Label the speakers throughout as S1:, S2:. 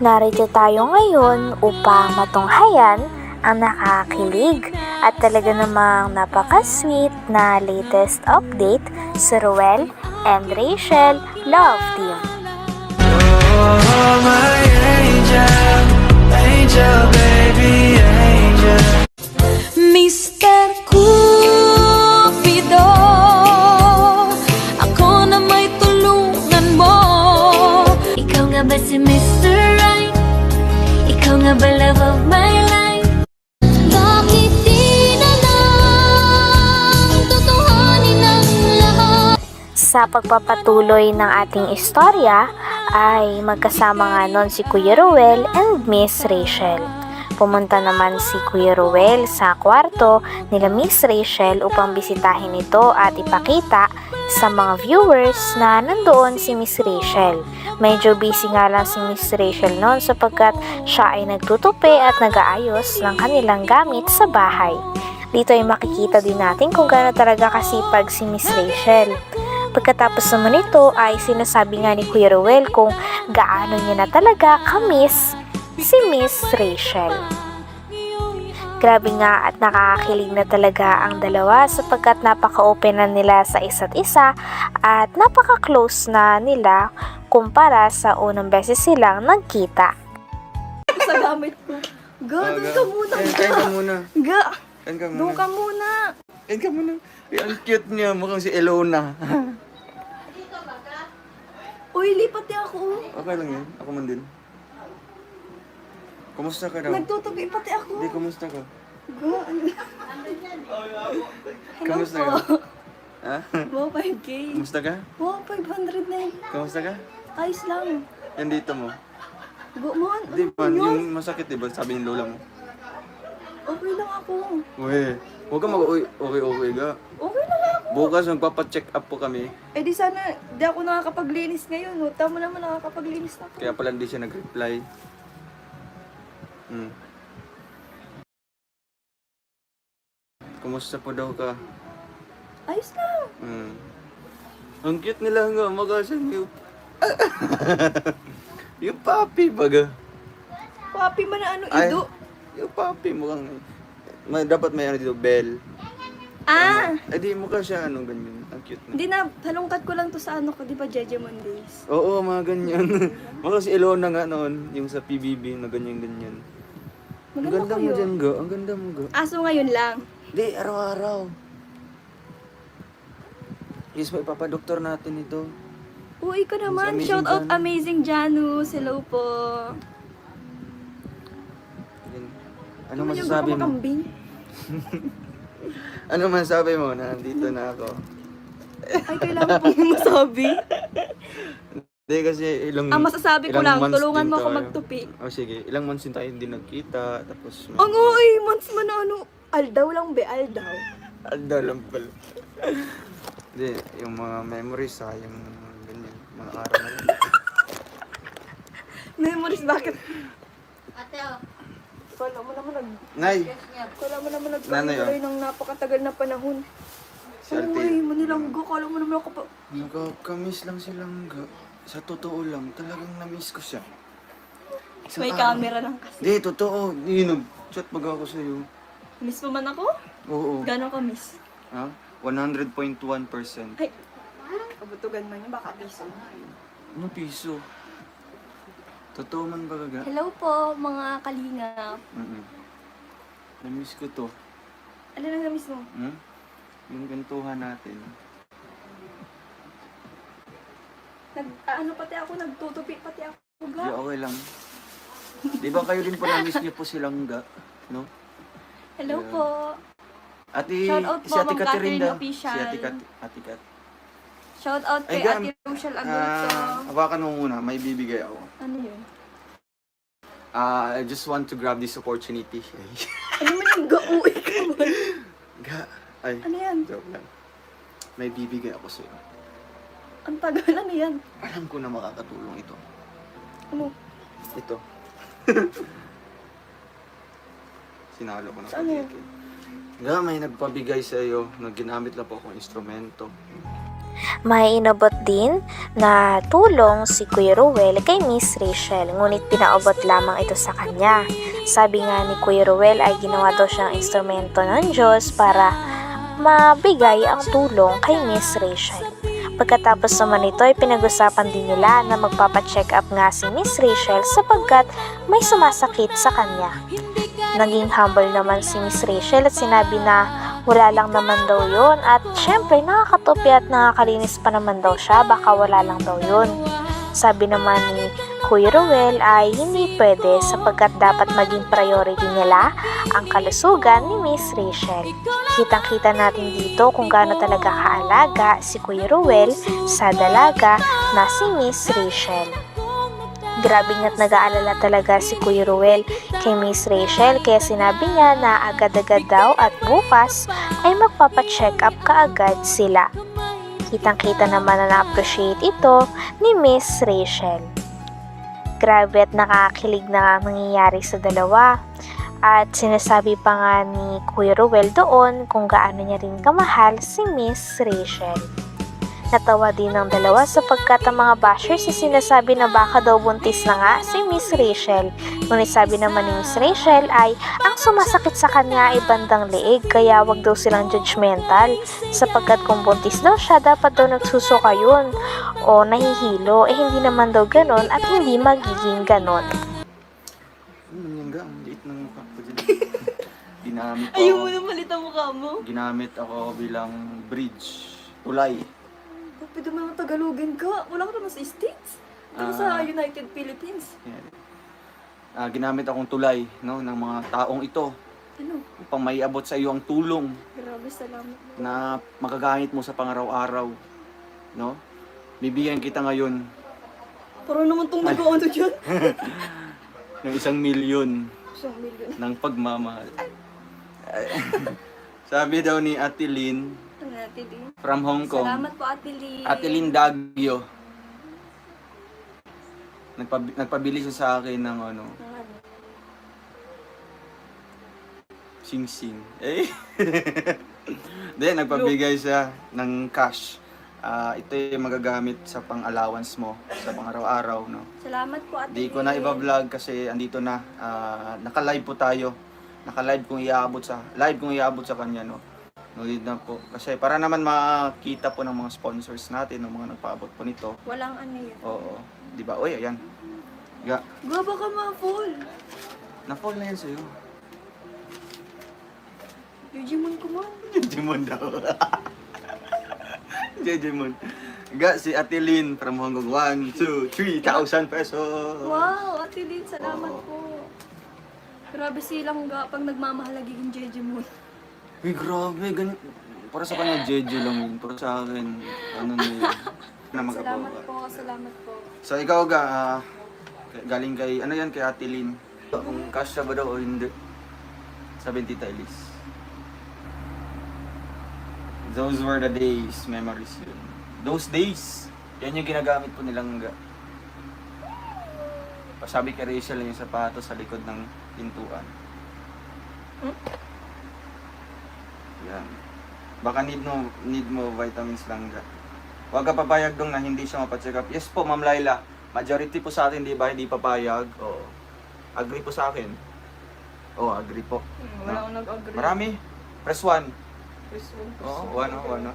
S1: Narito tayo ngayon upang matunghayan ang nakakakilig at talaga namang napaka-sweet na latest update sa Ruel and Rachel Love Team.
S2: Oh, my angel, angel, baby, angel.
S3: Mr. Cupido, ako na may tulungan mo. Ikaw nga ba si Mr. Right? Ikaw nga ba love of my life? Bakit di na lang tutuhanin ang lahat?
S1: Sa pagpapatuloy ng ating istorya ay magkasama nga nun si Kuya Ruel and Miss Rachel. Pumunta naman si Kuya Ruel sa kwarto nila Miss Rachel upang bisitahin ito at ipakita sa mga viewers na nandoon si Miss Rachel. Medyo busy nga lang si Miss Rachel noon sapagkat siya ay nagtutupi at nag-aayos ng kanilang gamit sa bahay. Dito ay makikita din natin kung gaano talaga kasipag si Miss Rachel. Pagkatapos naman ito ay sinasabi nga ni Kuya Ruel kung gaano niya na talaga ka-miss si Miss Rachel. Grabe nga at nakakakilig na talaga ang dalawa sapagkat napaka-open na nila sa isa't isa at napaka-close na nila kumpara sa unang beses silang nagkita.
S4: Sa gamit ko. Ga, doon ka muna.
S5: Kain ka muna.
S4: Ga,
S5: Kain ka
S4: doon
S5: muna.
S4: ka muna.
S5: Kain ka muna. Ay, ang cute niya. Mukhang si Elona.
S4: Uy, lipat niya ako.
S5: Okay lang yan. Ako man din. Kumusta ka daw?
S4: Nagtutubi pati ako.
S5: Hindi, kumusta ka?
S4: Ga,
S5: Kumusta ka? Ha?
S4: wow, 5K.
S5: Kumusta ka?
S4: Wow, 500 na yun.
S5: Kumusta ka?
S4: Ayos lang.
S5: Yan dito mo.
S4: Go, man.
S5: Di ba?
S4: Ano yun?
S5: Yung masakit, di ba? Sabi ng lola mo.
S4: Okay lang ako.
S5: Uy, huwag ka mag-okay ga.
S4: Okay lang ako.
S5: Bukas magpapacheck up po kami.
S4: Eh di sana, di ako nakakapaglinis ngayon. No? Tama naman nakakapaglinis na ako.
S5: Kaya pala hindi siya nag-reply. Kumusta po daw ka?
S4: Ayos lang.
S5: Ang cute nila nga, magasan yung... yung papi baga.
S4: Papi man na ano,
S5: Ay,
S4: ido.
S5: yung papi mukhang... dapat may ano dito, bell.
S4: Ah!
S5: Ay di mukha siya ano, ganyan. Ang cute na.
S4: Hindi na, talungkat ko lang to sa ano ko, di ba, Jeje Mondays?
S5: Oo, mga ganyan. Mukha si Elona nga noon, yung sa PBB na ganyan-ganyan. Ang
S4: Maganda
S5: ganda mo
S4: kayo.
S5: dyan, ga. Ang ganda mo, ga.
S4: Aso ngayon lang.
S5: Di, araw-araw. Yes, may papadoktor natin ito.
S4: Uy, ka naman.
S5: Amazing
S4: Shout out
S5: Janus.
S4: Amazing Janus. Hello po.
S5: Yan. Ano
S4: Naman yung
S5: masasabi mo?
S4: kumakambing.
S5: Ano masasabi mo na nandito na ako?
S4: Ay, kailangan pong masabi.
S5: Hindi kasi ilang...
S4: Ang masasabi ko
S5: ilang
S4: lang,
S5: months
S4: tulungan
S5: din
S4: mo ako
S5: tayo.
S4: magtupi.
S5: Oh, sige. Ilang months din tayo hindi nagkita. Tapos...
S4: Ang uy, months man na ano. Aldaw lang be, aldaw.
S5: Anda lang pala. Hindi, yung mga memories ha, yung ganyan, mga araw na yun.
S4: Memories, bakit? Kala mo naman
S5: Nay!
S4: kala mo naman
S5: Nanay,
S4: nagkaroon ng napakatagal na panahon.
S5: Si Ate.
S4: Uy, manilanggo. Kala mo naman ako pa.
S5: Nakakamiss lang silang ga. Sa totoo lang, talagang na-miss ko siya. Isang
S4: May
S5: araw.
S4: camera lang kasi.
S5: Hindi, totoo. Hindi, nag-chat baga ako sa'yo.
S4: Miss mo man ako?
S5: Oo.
S4: Gano'n ka miss?
S5: Ha? 100.1%.
S4: Ay, kabutugan man yun, baka piso.
S5: Ano piso? Totoo man ba gaga?
S4: Hello po, mga kalingap.
S5: Na-miss ko to.
S4: Ano na miss mo?
S5: Yung gantuhan natin.
S4: Ano pati ako, nagtutupi pati ako.
S5: Di,
S4: Ga?
S5: okay lang. Di ba kayo din po na-miss niyo po silang ga? No?
S4: Hello
S5: Yeah.
S4: po.
S5: Ate,
S4: Shout out
S5: si
S4: po,
S5: Ate
S4: Ma'am
S5: Catherine
S4: Catherine
S5: daw.
S4: Official.
S5: Si Ate Cat.
S4: Shout out
S5: Ay,
S4: kay
S5: Gam.
S4: Ate Rochelle Agurto.
S5: Hawakan mo muna. May bibigay ako.
S4: Ano yun?
S5: I just want to grab this opportunity.
S4: Ano man yung ga-uwi ka man?
S5: Ga. Ay,
S4: Ano yan?
S5: joke lang. May bibigay ako sa'yo.
S4: Ang tagal, ano yan?
S5: Alam ko na makakatulong ito.
S4: Ano?
S5: Ito. Sinalo ko na
S4: Saan yan?
S5: Ga, may nagpabigay sa iyo na ginamit lang po akong instrumento.
S1: May inabot din na tulong si Kuya Ruel kay Miss Rachel, ngunit pinaabot lamang ito sa kanya. Sabi nga ni Kuya Ruel ay ginawa daw siyang instrumento ng Diyos para mabigay ang tulong kay Miss Rachel. Pagkatapos naman ito ay pinag-usapan din nila na magpapacheck up nga si Miss Rachel sapagkat may sumasakit sa kanya. Naging humble naman si Miss Rachel at sinabi na wala lang naman daw yun at syempre nakakatupi at nakakalinis pa naman daw siya, baka wala lang daw yun. Sabi naman ni Kuya Ruel ay hindi pwede sapagkat dapat maging priority nila ang kalusugan ni Miss Rachel. Kitang-kita natin dito kung gaano talaga kaalaga si Kuya Ruel sa dalaga na si Miss Rachel. Grabe nga't nag-aalala talaga si Kuya Ruel kay Miss Rachel kaya sinabi niya na agad-agad daw at bukas ay magpapacheck up kaagad sila. Kitang-kita naman na na-appreciate ito ni Miss Rachel. Grabe at nakakilig na ang nangyayari sa dalawa. At sinasabi pa nga ni Kuya Ruel doon kung gaano niya rin kamahal si Miss Rachel. Natawa din ng dalawa sapagkat ang mga bashers ay sinasabi na baka daw buntis na nga si Miss Rachel. Ngunit sabi naman ni Miss Rachel ay ang sumasakit sa kanya ay bandang leeg kaya wag daw silang judgmental sapagkat kung buntis daw siya dapat daw nagsusuka yun o nahihilo hindi naman daw ganon at hindi magiging ganon.
S5: Yung ang liit ng mukha ko dyan. Ginamit ko
S4: Ayaw
S5: ako.
S4: mo na malit ang mukha mo.
S5: Ginamit ako bilang bridge. Tulay.
S4: Pwede mo naman Tagalogin ka. Wala ka naman sa States. Ito sa United Philippines.
S5: Yan. Ginamit akong tulay, no, ng mga taong ito
S4: Ano?
S5: upang maiabot sa iyo ang tulong
S4: Grabe, salamat.
S5: na magagamit mo sa pangaraw-araw, no? Bibigyan kita ngayon
S4: Parang naman itong nag-ano dyan.
S5: ng 1 milyon
S4: 1 million.
S5: ng pagmamahal. Sabi daw ni Ate Lynn
S4: Ano natin din?
S5: from Hong Kong.
S4: Salamat po, Ate Lee.
S5: Ate Lynn Dagyo. Nagpabili siya sa akin ng ano,
S4: Ano?
S5: sing-sing. Eh? Then, nagpabigay siya ng cash. Ito yung magagamit sa pang-allowance mo sa pang-araw-araw, no?
S4: Salamat po, Ate
S5: Di ko na
S4: Lee.
S5: iba-vlog kasi andito na. Naka-live po tayo. Naka-live kung iabot sa kanya, no? No need na po. Kasi para naman makita po ng mga sponsors natin, ng mga nagpaabot po nito.
S4: Walang ano yun.
S5: Oo. Di ba? Uy, ayan. Ga.
S4: Gaba ka ma-full.
S5: Na-fall na yan sa'yo.
S4: Digimon ko man.
S5: Jejemon daw. Jejemon. Ga, si Ate Lynn from Hong Kong. 1, 2, 3,000 pesos.
S4: Wow, Ate Lynn, salamat
S5: Oo.
S4: po. Grabe silang ga pag nagmamahal nagiging Digimon.
S5: Uy, grabe. Para sa kanya, Jeje lang yun. Para sa akin, ano na yun. Na
S4: Salamat
S5: mag-abawa.
S4: po, salamat po.
S5: So, ikaw ga, galing kay, ano yan, kay Ate Lynn. Kung cash ba daw o hindi. 70 Elise. Those were the days, memories yun. Those days, yan yung ginagamit po nilang ga. Sabi kay Rachel yung sapatos sa likod ng pintuan. Yan. Baka need mo vitamins lang ga. Huwag ka papayag dong na hindi siya mapacheck up. Yes po, Ma'am Laila. Majority po sa atin, di ba, hindi papayag. Oo. Agree po sa akin. Oo, agree po.
S4: Wala akong nag-agree.
S5: Marami. Press 1.
S4: Press one, press
S5: Oo,
S4: one.
S5: ano.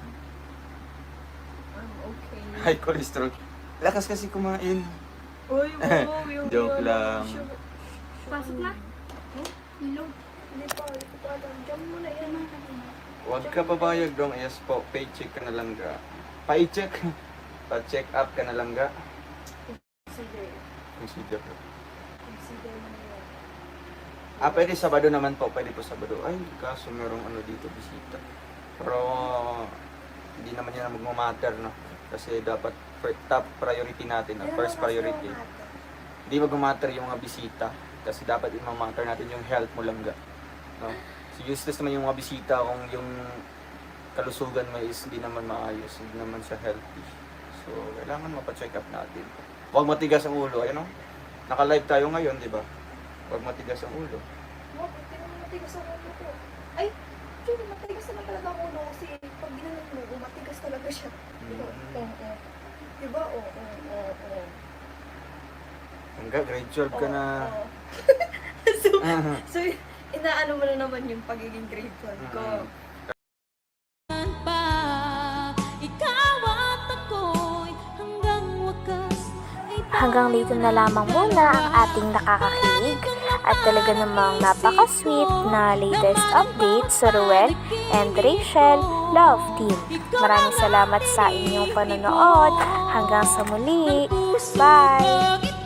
S4: Okay.
S5: High cholesterol. Lakas kasi kumain.
S4: Uy, wow, yung
S5: Joke lang.
S4: Pasok na? Hello? Hindi pa, hindi pa alam. Diyan mo na yan.
S5: Huwag ka papayag dong. Yes po, paycheck ka na lang ga. Paycheck. Pa-check up ka na lang ga.
S4: Consider.
S5: Consider.
S4: Consider mo na yan.
S5: Pwede Sabado naman po. Pwede po Sabado. Ay, kaso merong ano dito, bisita. Pero, hindi naman yan magmamatter, no? Kasi dapat top priority natin, no? First priority. Hindi magmamatter yung mga bisita. Kasi dapat imamatter natin yung health mo lang, ga. No? So, useless naman yung mga bisita kung yung kalusugan mo is hindi naman maayos, hindi naman siya healthy. So, kailangan mapacheck up natin. Huwag matigas ang ulo, ayun, no? Naka-live tayo ngayon, di ba? Huwag matigas ang ulo.
S4: Wow, hindi naman matigas ang ulo ko. Ay, actually, matigas naman talaga ang ulo kasi pag ginanong mo, matigas talaga siya. Diba? Oo.
S5: Hanggang grade 12 ka na.
S4: Oo. So, inaano mo na naman yung pagiging grade 12 ko.
S3: pa, ikaw at ako'y hanggang wakas ay
S1: Hanggang dito na lamang muna ang ating nakakakilig at talaga namang napaka-sweet na latest update sa Ruel and Rachel Love Team. Maraming salamat sa inyong panonood. Hanggang sa muli. Bye!